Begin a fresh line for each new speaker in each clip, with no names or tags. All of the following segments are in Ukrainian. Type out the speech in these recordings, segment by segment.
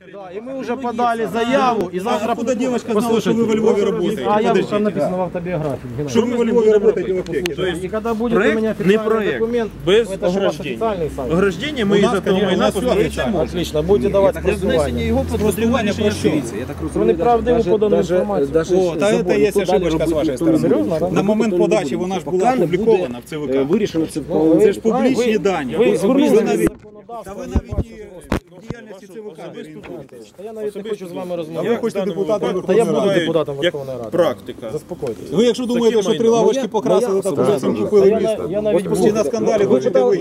Да, и мы уже подали заяву, и завтра...
Откуда девочка знала, что вы во Львове работаете?
А я там написано в автобиографии.
Что вы во Львове работаете в аптеке?
И когда будет у меня официальный документ,
без
это же ваш
ограждения.
официальный сайт.
Ограждение мы из этого майна позбавляємо.
Отлично, будете давати спростування.
Його подрядування прощується.
Про неправдиву подану інформацію.
О, та це є ошибочка з вашої сторони. На момент подачі вона ж була опублікована в ЦВК.
Вирішено це
Це ж публічні дані.
Ви звернулися до
Та ви навіть і в діяльності ЦВК не орієнтуєтесь.
Я навіть не хочу з вами
А ви
розмовляти.
хочете депутатом
Та я
Верховної
буду
Ради.
депутатом
Як
Верховної Ради.
практика.
Заспокойтесь.
Ви якщо думаєте, що 3 лавочки покрасили, так уже всім купили місто.
Я навіть
Ось постійно на скандалі хочете ви.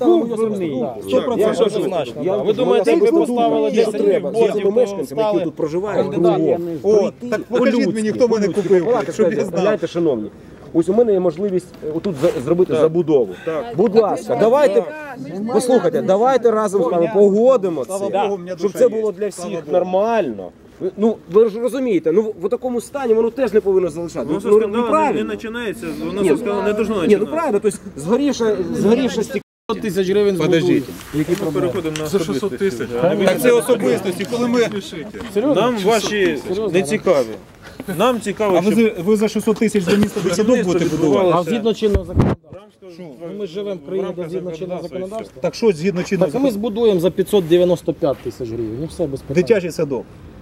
Я однозначно. Ви думаєте, як ви поставили 10 білбордів,
мешканцям, які тут проживають, кругом.
О, так покажіть мені, хто мене купив, щоб я знав.
Знаєте, шановні, ось у мене є можливість отут зробити забудову. Будь ласка, давайте, послухайте, давайте разом з вами погодимо це, щоб це було для всіх нормально. Ну, ви ж розумієте, ну в такому стані воно теж не повинно залишати.
Воно
Ну,
скандал
неправильно.
не починається, воно все сказано не должно
Ні, ну
починатися.
правильно, тобто згорівше стік.
100 тисяч гривень
Подождіть.
Ми переходимо на 600 тисяч.
Так це особистості, коли ми...
Нам ваші не цікаві. Нам цікаво,
А
щоб
ви за 600 тисяч за місто дитсадок будете будувати?
А згідно чинного законодавства. Ми живемо в країні, де згідно чинного законодавства.
Так що згідно чинного
Так а ми збудуємо за 595 тисяч гривень. І все без питань.
дитячий садок?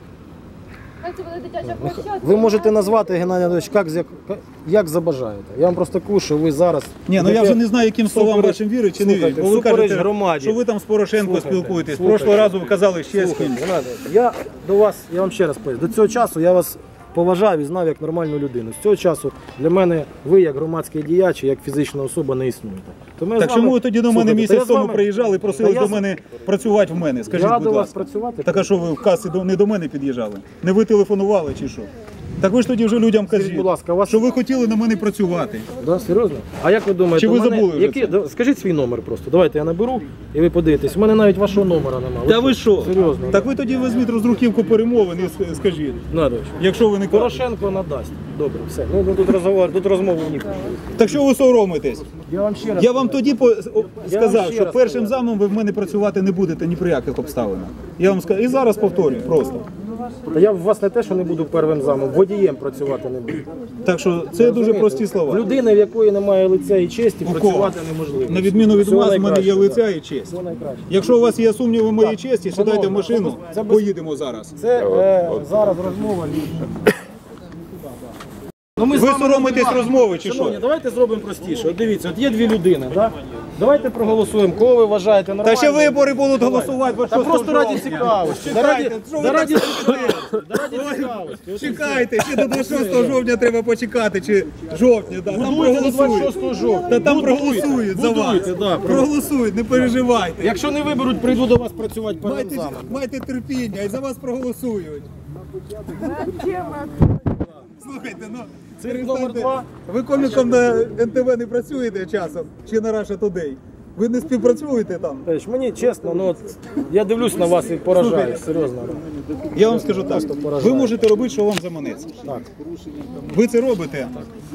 Це буде дитяча площадка.
Ви можете назвати, Геннадій Анатолійович, як забажаєте. Я вам просто кажу, що ви зараз...
Ні, ну я вже не знаю, яким словам вашим вірить чи не вірить. Бо ви кажете,
громаді.
що ви там з Порошенко спілкуєтесь. Прошлого разу ви казали ще з ким.
Я до вас, я вам ще раз поясню, до цього часу я вас поважав і знав як нормальну людину. З цього часу для мене ви як громадський діяч, як фізична особа не існуєте. Тому я
Так
з вами-
чому ви тоді до мене
Слухайте,
місяць
я з
тому
вами-
приїжджали і просили
Та я
до
з-
мене працювати в мене? Скажіть,
Я
будь
до вас
ласка.
працювати?
Так а що ви в касі не до мене під'їжджали? Не ви телефонували чи що? Так ви ж тоді вже людям кажіть,
будь ласка, у вас-
що ви хотіли на мене працювати.
Да, серйозно? А як ви думаєте,
Чи ви
у мене-
забули вже
які... Скажіть свій номер просто. Давайте я наберу і ви подивитесь. У мене навіть вашого номера немає.
Та ви що?
Серйозно?
Так ви тоді візьміть роздруківку перемовин і скажіть.
Надович.
Якщо ви не кажете.
Порошенко надасть. Добре, все. Ну тут розговор, тут розмову ніхто.
Так що ви соромитесь?
Я вам ще раз.
Я вам тоді сказав,
ще
що
раз
першим замом ви в мене працювати не будете ні при яких обставинах. Я вам сказав, і зараз повторюю просто.
Та я в вас не те, що не буду первим замом, водієм працювати не буду.
Так що це дуже прості
В
слова.
людини, в якої немає лиця і честі,
кого?
працювати неможливо.
На відміну від
Всього
вас, в мене є
найкращого,
лиця і честь.
Всього найкраще.
Якщо у вас є сумніви в моїй честі, сідайте в
шановні,
машину,
це без-
поїдемо зараз.
Це зараз розмова. Ну, ми з
Ви
вами
соромитесь
розмовляємо.
розмови чи
Шановні,
що?
давайте зробимо простіше. От дивіться, от є дві людини, так? Давайте проголосуємо, кого ви вважаєте
Та
нормально.
ще вибори будуть голосувати.
Та просто раді цікавості.
Чекайте, що ви
Раді
так
цікавості. От
Чекайте, ще до 26 жовтня треба почекати, чи жовтня, да. Там
Будуйте до
проголосують.
26 жовтня.
Та там
Будуйте.
проголосують за вас.
Будуйте, да,
Проголосують, не переживайте.
Якщо не виберуть, прийду до вас працювати перед
Майте,
замом.
майте терпіння, і за вас проголосують. Слухайте, ну,
Це номер
перестаньте.
2.
Ви коміком на НТВ не працюєте часом, чи на Russia Today? Ви не співпрацюєте там?
Мені чесно, ну от я дивлюсь на вас і поражаюсь, серйозно.
Я вам скажу так, ви можете робити, що вам заманеться.
Так.
Ви це робите.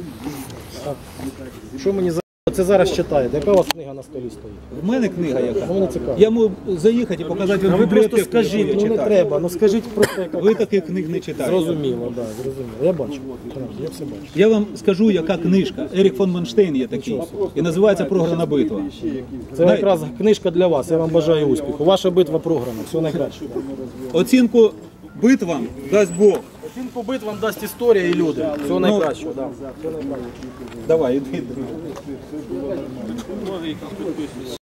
Що мені за це зараз читаєте? Яка у вас книга на столі стоїть?
В мене книга яка.
Ну, мені цікаво.
Я можу заїхати і показати вам
А ви просто
бібліотеку,
скажіть,
яку я
ну не
читаю.
треба, ну скажіть просто яка.
Ви таких книг не читаєте.
Зрозуміло, так, зрозуміло. Я бачу. Я все бачу.
Я вам скажу, яка книжка. Ерік фон Манштейн є такий. І називається «Програна битва».
Це якраз книжка для вас. Я вам бажаю успіху. Ваша битва програна. Все найкраще.
Оцінку битвам дасть Бог.
Оцінку битвам дасть історія і люди. Всього найкращого. Да. Всього найкращого.
Давай, іди.